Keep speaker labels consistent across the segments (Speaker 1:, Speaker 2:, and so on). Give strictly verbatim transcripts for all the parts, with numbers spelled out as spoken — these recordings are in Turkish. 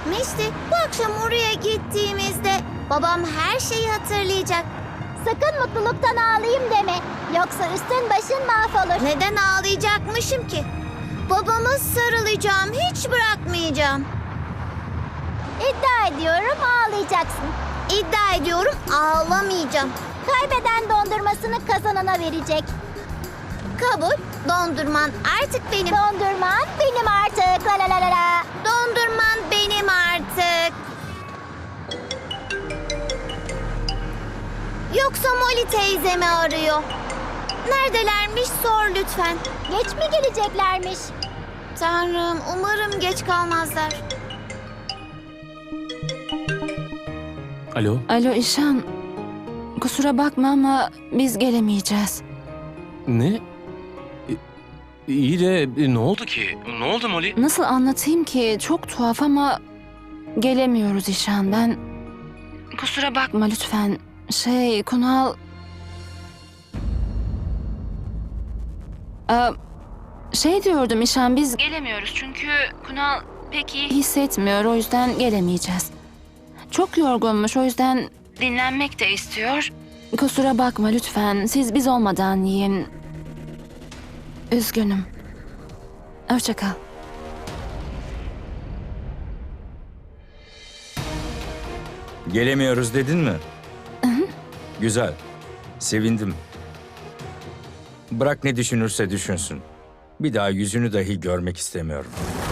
Speaker 1: Mişti, bu akşam oraya gittiğimizde babam her şeyi hatırlayacak.
Speaker 2: Sakın mutluluktan ağlayayım deme. Yoksa üstün başın mahvolur.
Speaker 1: Neden ağlayacakmışım ki? Babama sarılacağım, hiç bırakmayacağım.
Speaker 2: İddia ediyorum ağlayacaksın.
Speaker 1: İddia ediyorum ağlamayacağım.
Speaker 2: Kaybeden dondurmasını kazanana verecek.
Speaker 1: Kabul, dondurman artık benim.
Speaker 2: Dondurman benim artık. La la la la la.
Speaker 1: Dondurman benim artık. Yoksa Molly teyzemi arıyor. Neredelermiş sor lütfen.
Speaker 2: Geç mi geleceklermiş?
Speaker 1: Tanrım, umarım geç kalmazlar.
Speaker 3: Alo,
Speaker 4: Alo İşan, kusura bakma ama biz gelemeyeceğiz.
Speaker 3: ne? E, İyi de e, ne oldu ki? Ne oldu Molly?
Speaker 4: Nasıl anlatayım ki? Çok tuhaf ama gelemiyoruz İşan. Ben... Kusura bakma lütfen. Şey, Kunal... Ee, şey diyordum İşan, biz gelemiyoruz çünkü Kunal pek iyi hissetmiyor. O yüzden gelemeyeceğiz. Çok yorgunmuş, o yüzden dinlenmek de istiyor. Kusura bakma lütfen. Siz biz olmadan yiyin. Üzgünüm. Hoşça kal.
Speaker 5: Gelemiyoruz dedin mi? Güzel. Sevindim. Bırak ne düşünürse düşünsün. Bir daha yüzünü dahi görmek istemiyorum.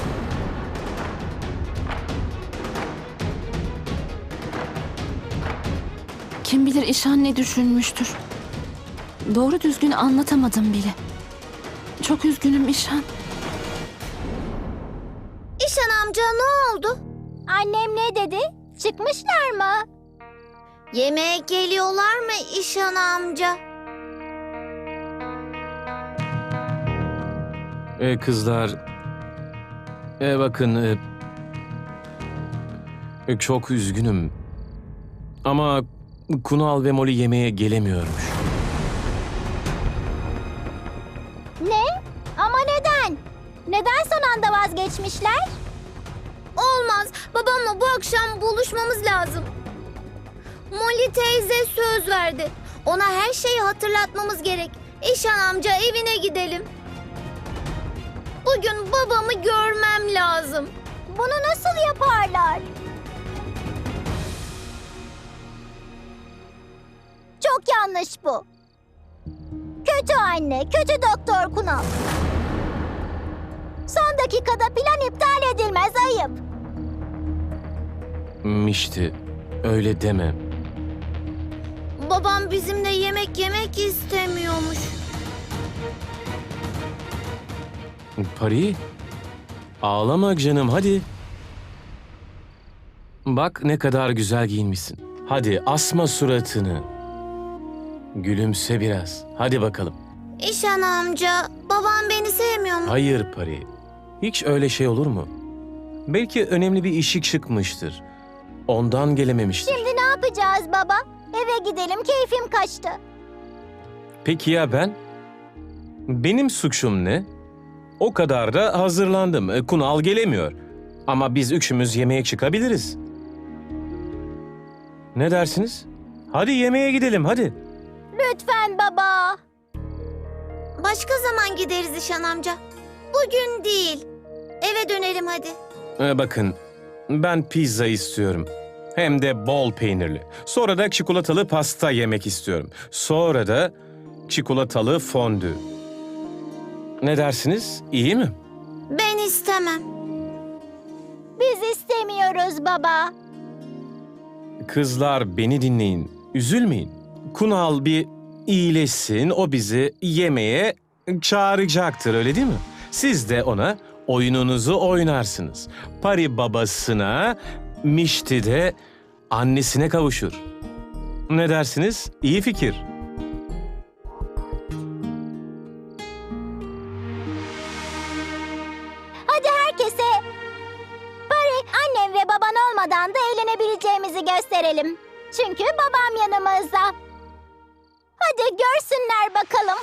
Speaker 4: Kim bilir İşan ne düşünmüştür. Doğru düzgün anlatamadım bile. Çok üzgünüm İşan.
Speaker 1: İşan amca ne oldu?
Speaker 2: Annem ne dedi? Çıkmışlar mı?
Speaker 1: Yemeğe geliyorlar mı İşan amca?
Speaker 3: E, kızlar, e, bakın, e, e, çok üzgünüm. Ama Kunal ve Molly yemeğe gelemiyormuş.
Speaker 2: Ne? Ama neden? Neden son anda vazgeçmişler?
Speaker 1: Olmaz. Babamla bu akşam buluşmamız lazım. Molly teyze söz verdi. Ona her şeyi hatırlatmamız gerek. İşan amca evine gidelim. Bugün babamı görmem lazım.
Speaker 2: Bunu nasıl yaparlar? Çok yanlış bu. Kötü anne, kötü doktor Kunal. Son dakikada plan iptal edilmez, ayıp.
Speaker 3: Mişti, öyle deme.
Speaker 1: Babam bizimle yemek yemek istemiyormuş.
Speaker 3: Pari, ağlama canım, hadi. Bak ne kadar güzel giyinmişsin. Hadi asma suratını. Gülümse biraz. Hadi bakalım.
Speaker 1: İşan amca, babam beni sevmiyor mu?
Speaker 3: Hayır Pari. Hiç öyle şey olur mu? Belki önemli bir işi çıkmıştır. Ondan gelememiştir.
Speaker 2: Şimdi ne yapacağız baba? Eve gidelim, keyfim kaçtı.
Speaker 3: Peki ya ben? Benim suçum ne? O kadar da hazırlandım. E, Kunal gelemiyor. Ama biz üçümüz yemeğe çıkabiliriz. Ne dersiniz? Hadi yemeğe gidelim, hadi.
Speaker 2: Lütfen baba.
Speaker 1: Başka zaman gideriz İşan amca. Bugün değil. Eve dönelim hadi.
Speaker 3: E, bakın, ben pizza istiyorum. Hem de bol peynirli. Sonra da çikolatalı pasta yemek istiyorum. Sonra da çikolatalı fondü. Ne dersiniz? İyi mi?
Speaker 1: Ben istemem.
Speaker 2: Biz istemiyoruz baba.
Speaker 3: Kızlar beni dinleyin. Üzülmeyin. Kunal bir iyileşsin, o bizi yemeğe çağıracaktır, öyle değil mi? Siz de ona oyununuzu oynarsınız. Pari babasına, Mişti de annesine kavuşur. Ne dersiniz? İyi fikir.
Speaker 2: Hadi herkese Pari, annem ve baban olmadan da eğlenebileceğimizi gösterelim. Çünkü babam yanımızda. Hadi görsünler bakalım.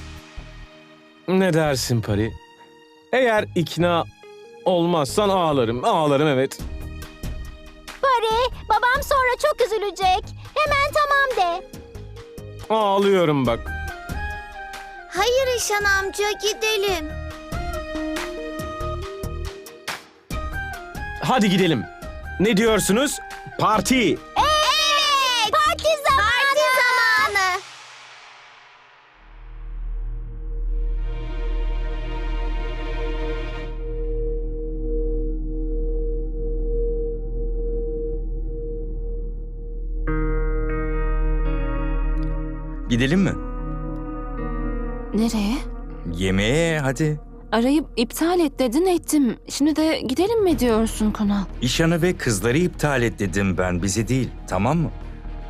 Speaker 3: Ne dersin Pari? Eğer ikna olmazsan ağlarım, ağlarım evet.
Speaker 2: Pari, babam sonra çok üzülecek. Hemen tamam de.
Speaker 3: Ağlıyorum bak.
Speaker 1: Hayır İşan amca, gidelim.
Speaker 3: Hadi gidelim. Ne diyorsunuz? Parti.
Speaker 2: Evet, parti zamanı.
Speaker 1: Parti zamanı.
Speaker 5: Gidelim mi?
Speaker 4: Nereye?
Speaker 5: Yemeğe hadi.
Speaker 4: Arayıp iptal et dedin, ettim. Şimdi de gidelim mi diyorsun Kunal?
Speaker 5: İşan'ı ve kızları iptal et dedim ben, bizi değil. Tamam mı?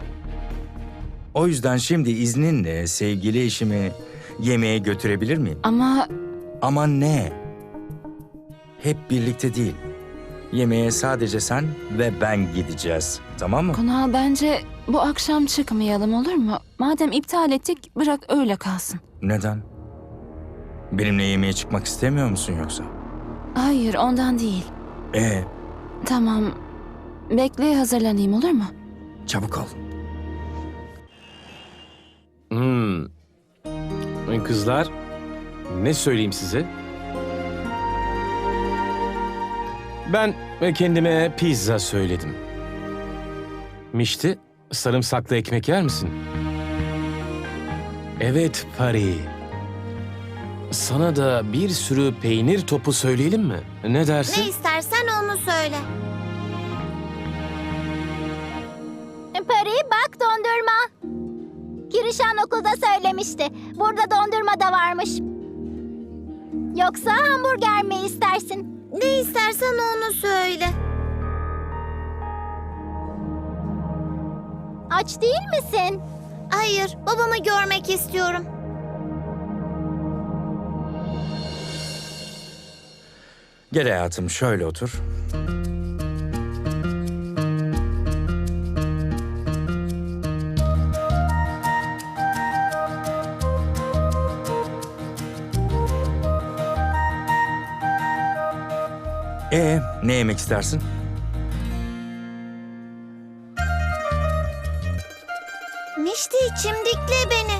Speaker 5: O yüzden şimdi izninle sevgili eşimi yemeğe götürebilir miyim?
Speaker 4: Ama
Speaker 5: Ama ne? Hep birlikte değil. Yemeğe sadece sen ve ben gideceğiz. Tamam mı?
Speaker 4: Kunal, bence bu akşam çıkmayalım, olur mu? Madem iptal ettik, bırak öyle kalsın.
Speaker 5: Neden? Benimle yemeğe çıkmak istemiyor musun yoksa?
Speaker 4: Hayır, ondan değil.
Speaker 5: Ee,
Speaker 4: Tamam, bekle, hazırlanayım, olur mu?
Speaker 5: çabuk ol.
Speaker 3: Hmm. Kızlar, ne söyleyeyim size? Ben kendime pizza söyledim. Mişti, sarımsaklı ekmek yer misin? Evet Pari. Sana da bir sürü peynir topu söyleyelim mi? Ne dersin?
Speaker 1: Ne istersen onu söyle.
Speaker 2: Pari, bak dondurma. Kirişan okulda söylemişti. Burada dondurma da varmış. Yoksa hamburger mi istersin?
Speaker 1: Ne istersen onu söyle.
Speaker 2: Aç değil misin?
Speaker 1: Hayır, babamı görmek istiyorum.
Speaker 5: Gel hayatım, şöyle otur. Ee, ne yemek istersin?
Speaker 1: Mişti, çimdikle beni.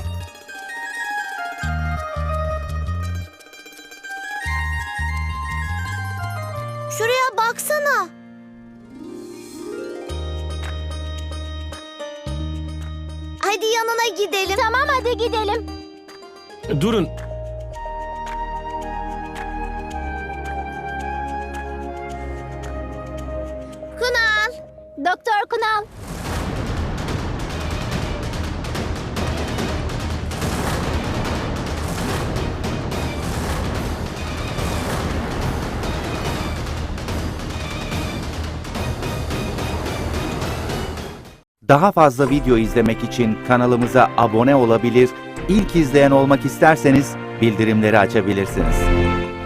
Speaker 1: Şuraya baksana. Hadi yanına gidelim.
Speaker 2: Tamam, hadi gidelim.
Speaker 3: Durun.
Speaker 1: Kunal.
Speaker 2: Doktor Kunal.
Speaker 6: Daha fazla video izlemek için kanalımıza abone olabilir, ilk izleyen olmak isterseniz bildirimleri açabilirsiniz.